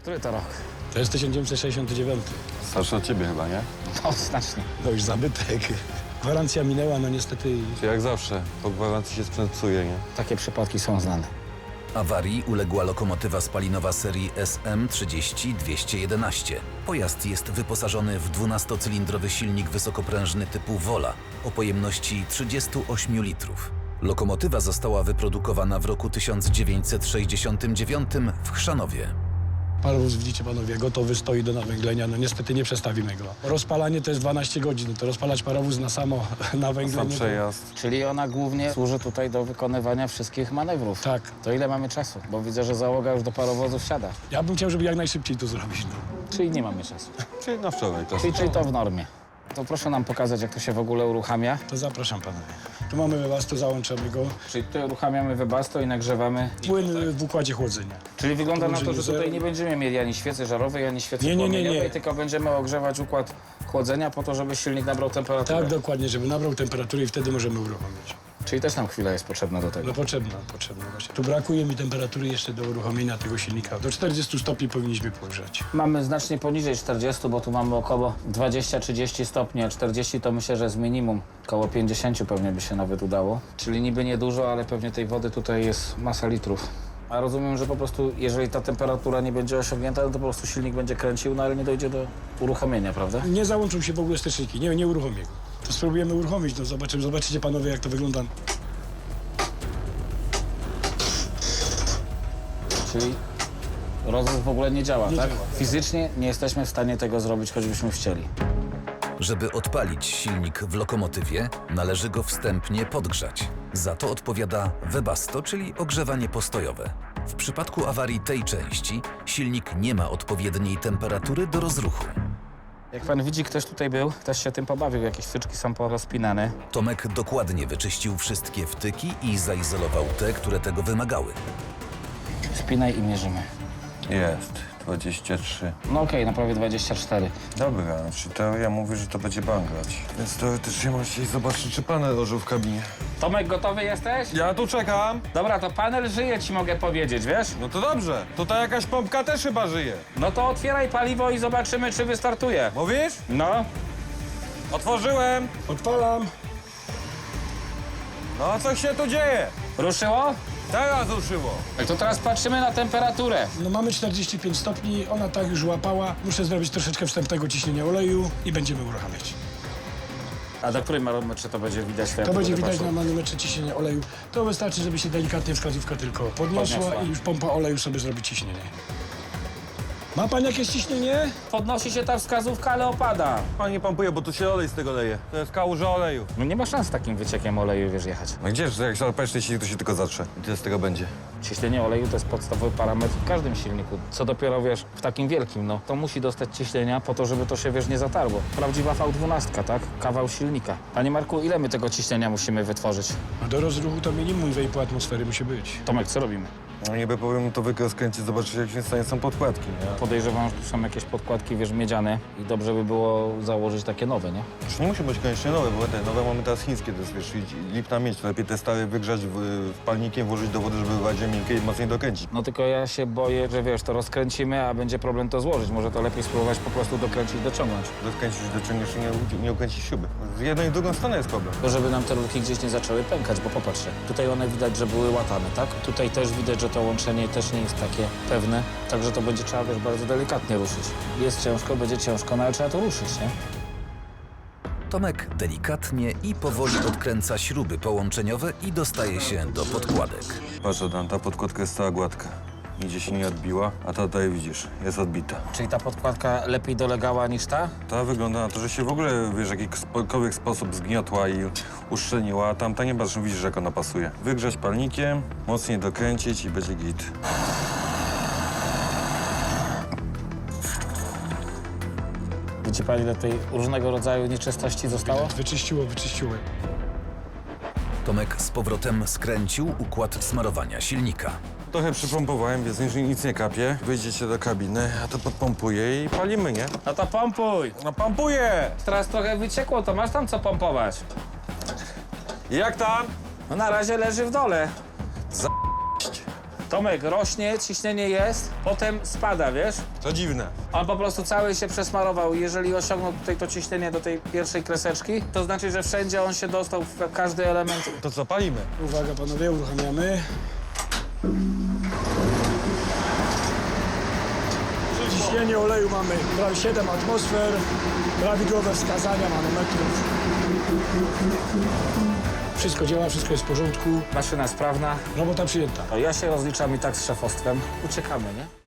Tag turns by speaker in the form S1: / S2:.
S1: Który to rok?
S2: To jest 1969.
S3: Starszy od ciebie chyba, nie?
S1: No, znacznie.
S2: No już zabytek. Gwarancja minęła, no niestety.
S3: Czy jak zawsze, po gwarancji się sprzęt psuje, nie?
S1: Takie przypadki są znane.
S4: Awarii uległa lokomotywa spalinowa serii SM30211. Pojazd jest wyposażony w 12-cylindrowy silnik wysokoprężny typu Wola o pojemności 38 litrów. Lokomotywa została wyprodukowana w roku 1969 w Chrzanowie.
S2: Parowóz, widzicie panowie, gotowy stoi do nawęglenia. No niestety nie przestawimy go. Rozpalanie to jest 12 godzin. To rozpalać parowóz na samo
S3: Sam
S2: nawęglenie.
S3: przejazd.
S1: Czyli ona głównie służy tutaj do wykonywania wszystkich manewrów.
S2: Tak.
S1: To ile mamy czasu? Bo widzę, że załoga już do parowozu wsiada.
S2: Ja bym chciał, żeby jak najszybciej to zrobić. No.
S1: Czyli nie mamy czasu.
S3: Czyli na wczoraj to.
S1: Czyli to w normie. To proszę nam pokazać, jak to się w ogóle uruchamia.
S2: To zapraszam panowie. Tu mamy webasto, załączamy go.
S1: Czyli tutaj uruchamiamy webasto i nagrzewamy.
S2: Płyn w układzie chłodzenia.
S1: Czyli wygląda na to, że
S2: zero.
S1: tutaj nie będziemy mieli ani świecy żarowej, ani świecy
S2: Nie,
S1: płomieniowej, tylko będziemy ogrzewać układ chłodzenia po to, żeby silnik nabrał temperaturę.
S2: Tak, dokładnie, żeby nabrał temperaturę i wtedy możemy uruchomić.
S1: Czyli też nam chwila jest potrzebna do tego.
S2: No potrzebna właśnie. Tu brakuje mi temperatury jeszcze do uruchomienia tego silnika. Do 40 stopni powinniśmy pogrzać.
S1: Mamy znacznie poniżej 40, bo tu mamy około 20-30 stopni, a 40 to myślę, że jest minimum. Około 50 pewnie by się nawet udało. Czyli niby niedużo, ale pewnie tej wody tutaj jest masa litrów. A rozumiem, że po prostu jeżeli ta temperatura nie będzie osiągnięta, no to po prostu silnik będzie kręcił, no ale nie dojdzie do uruchomienia, prawda?
S2: Nie załączą się w ogóle steczniki, nie uruchomię go. To spróbujemy uruchomić, no zobaczycie panowie, jak to wygląda.
S1: Czyli rozruch w ogóle nie działa,
S2: Nie
S1: tak?
S2: działa.
S1: Fizycznie nie jesteśmy w stanie tego zrobić, choćbyśmy chcieli.
S4: Żeby odpalić silnik w lokomotywie, należy go wstępnie podgrzać. Za to odpowiada webasto, czyli ogrzewanie postojowe. W przypadku awarii tej części silnik nie ma odpowiedniej temperatury do rozruchu.
S1: Jak pan widzi, ktoś tutaj był, ktoś się tym pobawił, jakieś wtyczki są porozpinane.
S4: Tomek dokładnie wyczyścił wszystkie wtyki i zaizolował te, które tego wymagały.
S1: Spinaj i mierzymy.
S3: Jest, 23.
S1: No okej, na prawie 24.
S3: Dobra, czy teoria mówi, że to będzie bangrać. Więc teoretycznie możecie zobaczyć, czy panel ożył w kabinie.
S1: Tomek, gotowy jesteś?
S3: Ja tu czekam.
S1: Dobra, to panel żyje, ci mogę powiedzieć, wiesz?
S3: No to dobrze. Tutaj jakaś pompka też chyba żyje.
S1: No to otwieraj paliwo i zobaczymy, czy wystartuje.
S3: Mówisz?
S1: No.
S3: Otworzyłem.
S2: Odpalam.
S3: No, coś się tu dzieje.
S1: Ruszyło?
S3: Teraz ruszyło.
S1: Tak to teraz patrzymy na temperaturę.
S2: No mamy 45 stopni, ona tak już łapała. Muszę zrobić troszeczkę wstępnego ciśnienia oleju i będziemy uruchamiać.
S1: A do której manometrze to będzie widać?
S2: To będzie widać na manometrze ciśnienia oleju. To wystarczy, żeby się delikatnie wskazówka tylko podniosła i już pompa oleju sobie zrobi ciśnienie. Ma pan jakieś ciśnienie?
S1: Podnosi się ta wskazówka, ale opada.
S3: Pan nie pompuje, bo tu się olej z tego leje. To jest kałuża oleju.
S1: No nie ma szans z takim wyciekiem oleju, wiesz, jechać.
S3: No gdzież, jak szarpeczny silnik, to się tylko zatrze. I tyle z tego będzie.
S1: Ciśnienie oleju to jest podstawowy parametr w każdym silniku. Co dopiero, wiesz, w takim wielkim, no. To musi dostać ciśnienia po to, żeby to się, wiesz, nie zatarło. Prawdziwa V12, tak? Kawał silnika. Panie Marku, ile my tego ciśnienia musimy wytworzyć?
S2: No do rozruchu to minimum 2,5 atmosfery musi być.
S1: Tomek, co robimy?
S3: No niby powiem to rozkręcić, zobaczyć jak się stanie są podkładki, nie?
S1: Podejrzewam, że tu są jakieś podkładki, wiesz, miedziane i dobrze by było założyć takie nowe, nie?
S3: Już nie musi być koniecznie nowe, bo te nowe mamy teraz chińskie, to jest wiesz, lipna miedź. Lepiej te stare wygrzać palnikiem, włożyć do wody, żeby była miękkie i mocniej dokręcić.
S1: No tylko ja się boję, że wiesz, to rozkręcimy, a będzie problem to złożyć. Może to lepiej spróbować po prostu dokręcić, dociągnąć.
S3: Rozkręcić, dociągniesz i nie ukręcić śruby. Z jedną i drugą stronę jest problem.
S1: To żeby nam te rurki gdzieś nie zaczęły pękać, bo popatrzcie, tutaj one widać, że były łatane, tak? Tutaj też widać, że to łączenie też nie jest takie pewne, także to będzie trzeba, wiesz, bardzo delikatnie ruszyć. Jest ciężko, będzie ciężko, no ale trzeba to ruszyć, nie?
S4: Tomek delikatnie i powoli odkręca śruby połączeniowe i dostaje się do podkładek.
S3: Patrz, Adam, ta podkładka jest cała gładka. Nigdzie się nie odbiła, a ta tutaj widzisz, jest odbita.
S1: Czyli ta podkładka lepiej dolegała niż ta?
S3: Ta wygląda na to, że się w ogóle, wiesz, w jakikolwiek sposób zgniotła i uszczelniła, a tamta nie patrz, widzisz, jak ona pasuje. Wygrzać palnikiem, mocniej dokręcić i będzie git.
S1: Widzi pani, ile tej różnego rodzaju nieczystości zostało?
S2: Wyczyściło.
S4: Tomek z powrotem skręcił układ smarowania silnika.
S3: Trochę przypompowałem, więc nic nie kapie. Wyjdziecie do kabiny, a to podpompuję i palimy, nie?
S1: No to pompuj!
S3: No pompuję!
S1: Teraz trochę wyciekło, to masz tam co pompować.
S3: I jak tam?
S1: No na razie leży w dole. Tomek, rośnie, ciśnienie jest, potem spada, wiesz?
S3: To dziwne.
S1: On po prostu cały się przesmarował i jeżeli osiągnął tutaj to ciśnienie do tej pierwszej kreseczki, to znaczy, że wszędzie on się dostał w każdy element.
S3: To co, palimy?
S2: Uwaga panowie, uruchamiamy. Ciśnienie oleju mamy prawie 7 atmosfer, prawidłowe wskazania manometrów. Wszystko działa, wszystko jest w porządku,
S1: Maszyna sprawna.
S2: robota przyjęta.
S1: To ja się rozliczam i tak z szefostwem. Uciekamy, nie?